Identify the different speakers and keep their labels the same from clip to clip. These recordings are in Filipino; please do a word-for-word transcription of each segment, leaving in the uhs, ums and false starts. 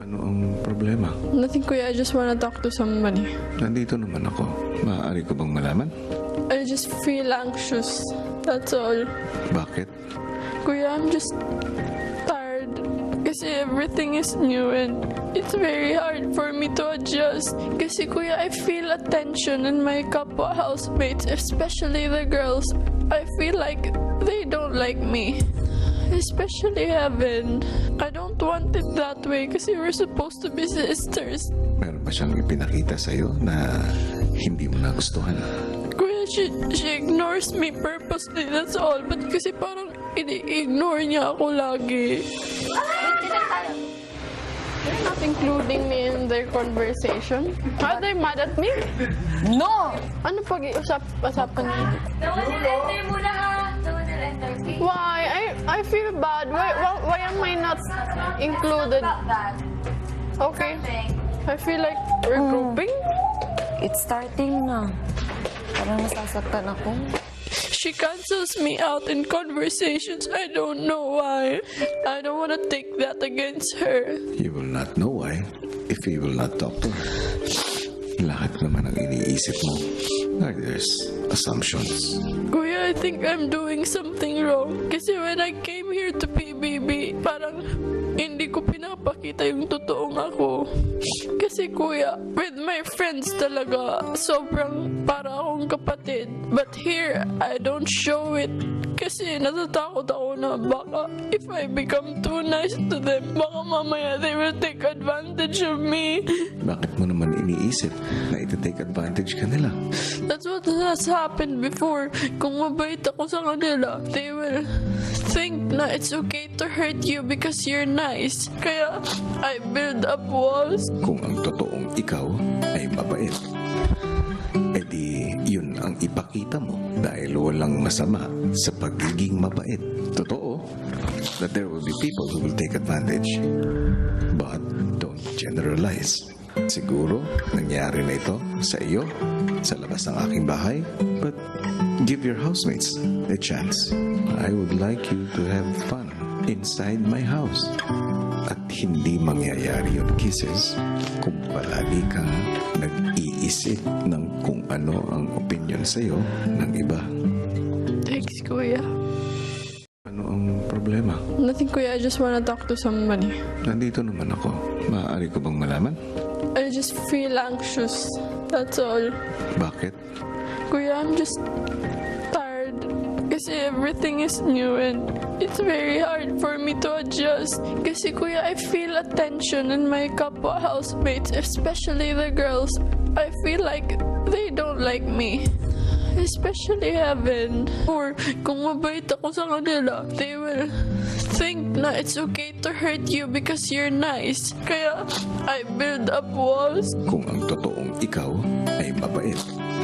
Speaker 1: Ano ang problema?
Speaker 2: Nothing, Kuya. I just wanna talk to somebody.
Speaker 1: Nandito naman ako. Maaari ko bang malaman?
Speaker 2: I just feel anxious. That's all.
Speaker 1: Bakit?
Speaker 2: Kuya, I'm just tired. Kasi everything is new and it's very hard for me to adjust. Kasi, Kuya, I feel a tension in my kapwa housemates, especially the girls. I feel like they don't like me. Especially Heaven. I don't want it that way kasi we're supposed to be sisters.
Speaker 1: Meron ba siyang ipinakita sa'yo na hindi mo nagustuhan?
Speaker 2: Kuya, she, she ignores me purposely, that's all. But kasi parang ini-ignore niya ako lagi. They're not including me in their conversation. Are they mad at me?
Speaker 3: No!
Speaker 2: Ano pag-iusap-usapan niyo?
Speaker 3: Don't enter muna ha! Don't enter.
Speaker 2: Why? I I feel bad. Why, why, why am I not included?
Speaker 3: About that.
Speaker 2: Okay. I feel like we're grouping.
Speaker 3: It's starting na. Parang nasasaktan ako.
Speaker 2: She cancels me out in conversations. I don't know why. I don't want to take that against her.
Speaker 1: You will not know why if you will not talk to her. Lahat naman ang iniisip mo. Like there's assumptions.
Speaker 2: Kuya, I think I'm doing something wrong. Kasi when I came here to P B B, parang hindi ko pinapakita yung totoong ako. Kasi kuya, with my friends talaga, sobrang para akong kapatid. But here, I don't show it. Kasi natatakot ako na baka if I become too nice to them, baka mamaya they will take advantage of me.
Speaker 1: Bakit mo naman iniisip na iti-take advantage ka nila?
Speaker 2: That's what has happened before. Kung mabait ako sa kanila, they will think na it's okay to hurt you because you're nice. Kaya I build up walls.
Speaker 1: Kung ang totoong ikaw ay mabait, edi yun ang ipakita mo dahil walang masama sa pagiging mabait. Totoo that there will be people who will take advantage. But don't generalize. Siguro nangyari na ito sa iyo sa labas ng aking bahay, but give your housemates a chance. I would like you to have fun inside my house. At hindi mangyayari yung kisses kung palagi kang nag-iisip ng kung ano ang opinion sa'yo ng iba.
Speaker 2: Thanks, Kuya.
Speaker 1: Ano ang problema?
Speaker 2: Nothing, Kuya. I just wanna talk to somebody.
Speaker 1: Nandito naman ako. Maaari ko bang malaman?
Speaker 2: I just feel anxious. That's all.
Speaker 1: Bakit?
Speaker 2: Kuya, I'm just tired. Kasi everything is new and it's very hard for me to adjust. Kasi kuya, I feel a tension in my kapwa housemates, especially the girls. I feel like they don't like me. Especially Heaven. Or kung mabait ako sa kanila, they will think na it's okay to hurt you because you're nice. Kaya I build up walls.
Speaker 1: Kung ang totoong ikaw ay mabait,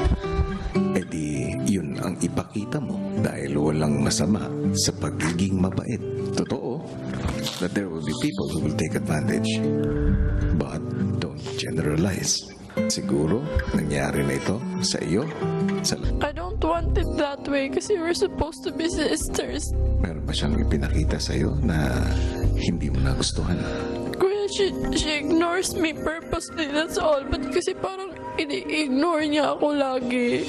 Speaker 1: edi yun ang ipakita mo dahil walang masama sa pagiging mabait. Totoo that there will be people who will take advantage. But don't generalize. Siguro nangyari na ito sa iyo sa
Speaker 2: I don't want it that way kasi we're supposed to be sisters.
Speaker 1: Meron ba siyang ipinakita sa'yo na hindi mo nagustuhan?
Speaker 2: Kuya, she, she ignores me purposely, that's all. But kasi parang ini-ignore niya ako lagi.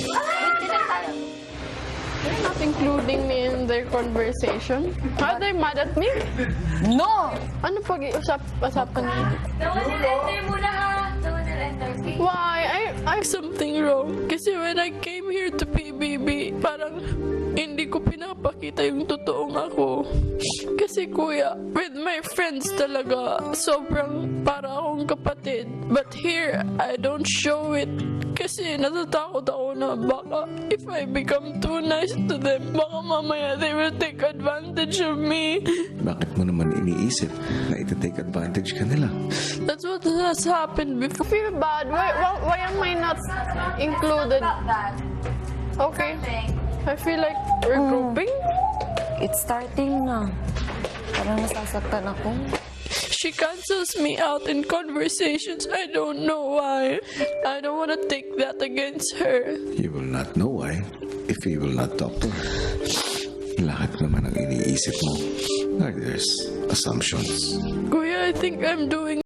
Speaker 2: They're not including me in their conversation. Are they mad at me?
Speaker 3: No!
Speaker 2: Ano pag-iusap-usapan niyo?
Speaker 3: Don't enter muna ha! Don't enter.
Speaker 2: Why? I, I something wrong. Kasi when I came here to P B B, parang hindi ko pinapakita yung totoong ako. Kasi kuya, with my friends talaga, sobrang para akong kapatid. But here, I don't show it. Kasi natatakot ako na baka if I become too nice to them, baka mamaya they will take advantage of me.
Speaker 1: Bakit mo naman iniisip na iti-take advantage ka nila?
Speaker 2: That's what has happened before. I feel bad. Why, why, why am I not included?
Speaker 3: About that.
Speaker 2: Okay. I feel like we're grouping.
Speaker 3: It's starting na. Parang nasasaktan ako.
Speaker 2: She cancels me out in conversations. I don't know why. I don't want to take that against her.
Speaker 1: You will not know why if you will not talk to her. Lahat naman ang iniisip mo. Like there's assumptions.
Speaker 2: Kuya, I think I'm doing